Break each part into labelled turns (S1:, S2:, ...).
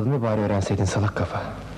S1: aldığını bari öğrenseydin salak kafa.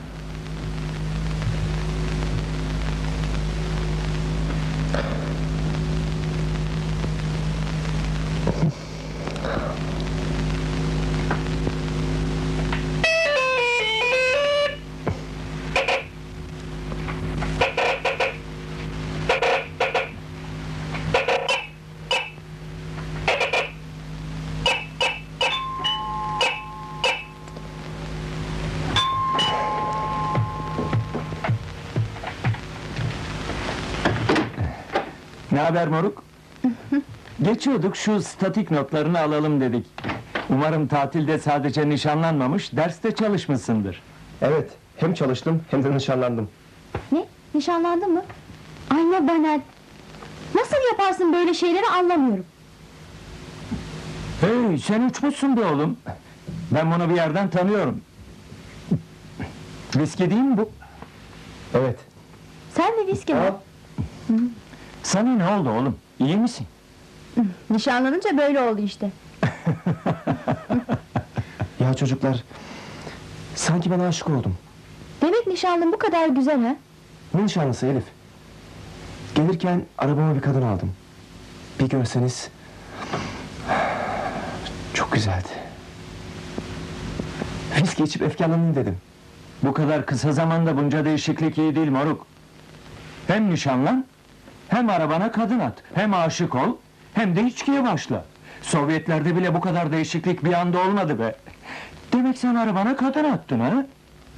S2: Ne haber moruk? Geçiyorduk, şu statik notlarını alalım dedik. Umarım tatilde sadece nişanlanmamış, derste çalışmışsındır.
S1: Evet, hem çalıştım hem de nişanlandım.
S3: Ne? Nişanlandın mı? Ay ne banal! Nasıl yaparsın böyle şeyleri anlamıyorum.
S2: Hey, sen uçmuşsun be oğlum! Ben bunu bir yerden tanıyorum. Viski değil mi bu?
S1: Evet.
S3: Sen de viski mi?
S2: Sana ne oldu oğlum? İyi misin?
S3: Nişanlanınca böyle oldu işte.
S1: Ya çocuklar, sanki ben aşık oldum.
S3: Demek nişanlın bu kadar güzel ha?
S1: Ne nişanlısı Elif? Gelirken arabama bir kadın aldım. Bir görseniz... Çok güzeldi. Viski içip efkarlanayım dedim.
S2: Bu kadar kısa zamanda bunca değişiklik iyi değil moruk. Hem nişanlan, hem arabana kadın at, hem aşık ol, hem de içkiye başla. Sovyetlerde bile bu kadar değişiklik bir anda olmadı be. Demek sen arabana kadın attın ha?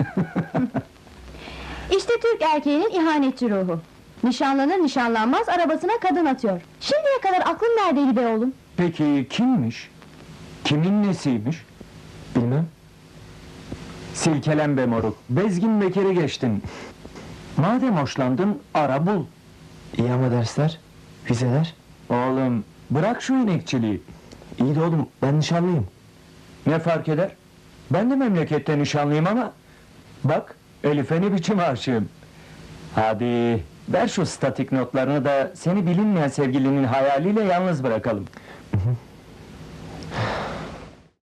S3: İşte Türk erkeğinin ihanetçi ruhu. Nişanlanır nişanlanmaz arabasına kadın atıyor. Şimdiye kadar aklın neredeydi be oğlum?
S2: Peki kimmiş? Kimin nesiymiş?
S1: Bilmem.
S2: Silkelen be moruk, bezgin bekeri geçtin. Madem hoşlandın, ara bul.
S1: İyi ama dersler, vizeler...
S2: Oğlum, bırak şu inekçiliği.
S1: İyi de oğlum, ben nişanlıyım.
S2: Ne fark eder? Ben de memlekette nişanlıyım ama... Bak, Elif'e ne biçim aşığım. Hadi, ver şu statik notlarını da... ...seni bilinmeyen sevgilinin hayaliyle yalnız bırakalım.
S1: Hı hı.